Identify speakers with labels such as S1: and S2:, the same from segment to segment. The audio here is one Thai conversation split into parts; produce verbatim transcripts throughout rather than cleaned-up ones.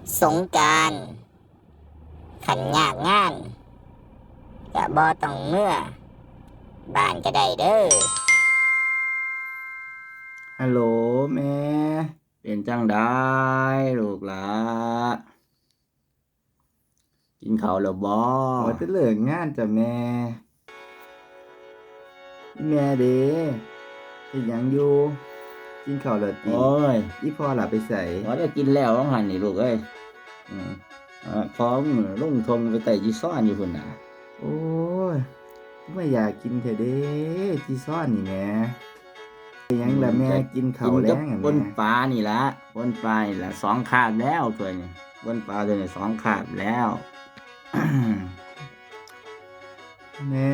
S1: สงกรานต์ขันยากงานก็บ่ต้องเมื่อบ้านก็ได้เด้อ
S2: ฮัลโหลแม่เป็นจังได้ลูกหลากินข้าวแล้วบ่ว่าจะเลิกงานจ้ะแม่แม่เด้เฮ็ดหยังอยู่กินข้าวแล้วติโอ้ยอีพ่อล่ะไปไสว่าได้กินแล้วว่าหั่นนี่ลูกเอ้ยอืมอ่าพร้อมลงทงไปไต่จีซ่อนอยู่พุ่นน่ะโอ้ยไม่อยากกินแท้เด้จีซ่อนนี่แหมยังล่ะแม่กินข้าวแล้งอ่ะแม่ปนปลานี่ละปนปลานี่ละสองคาบแล้วตัวนี้ปนปลาตัวนี้สองคาบแล้ว แม่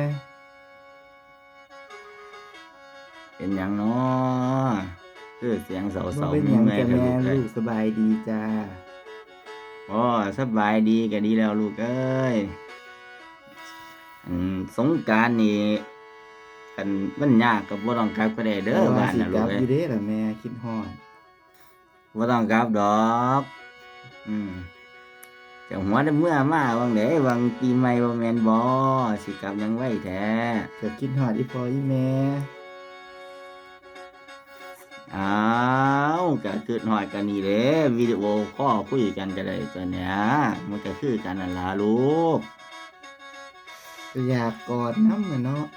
S2: เป็นยังเนาะคือเสียงเสาๆเป็นยังจ้ะแม่ลูกสบายดีจ้าอ๋อสบายดีก็ดีแล้วลูกเอ้ยอืมสงกรานต์นี่กันมันยากกับบ่ต้องกลับก็ได้เด้อบ้านน่ะลูกเอ้ยอยู่เด้อล่ะแม่คิดฮอดบ่ต้องกลับดอกอืมแต่หัวได้เมื่อมาวังไดวังปีใหม่บ่แม่นบ่สิกลับยังไว้แท้ก็คิดฮอดอีพ่ออีแม่อ้าวก็คิดฮอดกันนี่เด้วิดีโอคอลคุยกันก็ได้ตัวเนี้ยมันก็คือกันนั่นล่ะลูกอยากกอดนำอะเนาะ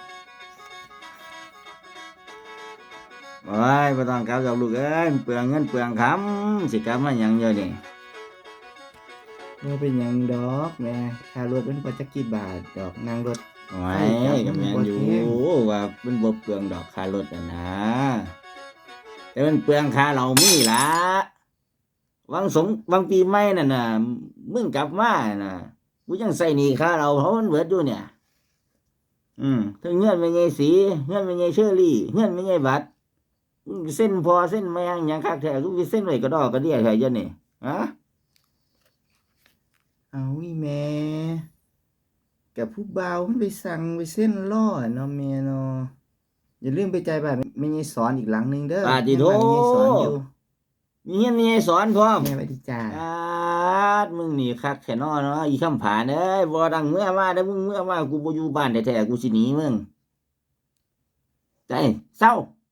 S2: โอ้ยบ่ต้องกลับดอกลูกเอ้ยเปลืองเงินเปลืองคำสิกลับมาหยังเยอะนี่บ่เป็นหยังดอกแม่ค่ารถมันบ่จักกี่บาทดอกนั่งรถโอ้ยก็แม่นอยู่ว่ามันบ่เปลืองดอกค่ารถน่ะนะแต่มันเปลืองค่าเหล้ามีล่ะวังสงวังปีใหม่นั่นน่ะมึงกลับมาน่ะกูยังใช้หนี้ค่าเหล้าเพราะมันเบิดอยู่เนี่ยอืมถึงเงินแม่ใหญ่สีเงินแม่ใหญ่เชอรี่เงินแม่ใหญ่บัตรเส้นพอเส้นแมงหยังคักแท้กูสิเส้นไว้ก็ดอกก็เดียแท้ยันนี่ฮะเอาอีแม่กับผู้บ่าวมันไปสั่งไปเส้นล่อเนาะแม่เนาะอย่าลืมไปจ่ายบ้านแม่ใหญ่สอนอีกหลังนึงเด้อปาติโธแม่ใหญ่สอนอยู่มีเฮียนแม่ใหญ่สอนพร้อมแม่ไปที่จ้าอาดมึงนี่คักแค่นอเนาะอีคำผานเอ้ยบ่ดังเมื่อมาเด้อมึงเมื่อมากูบ่อยู่บ้านแท้ๆกูสิหนีมึงใจเศร้า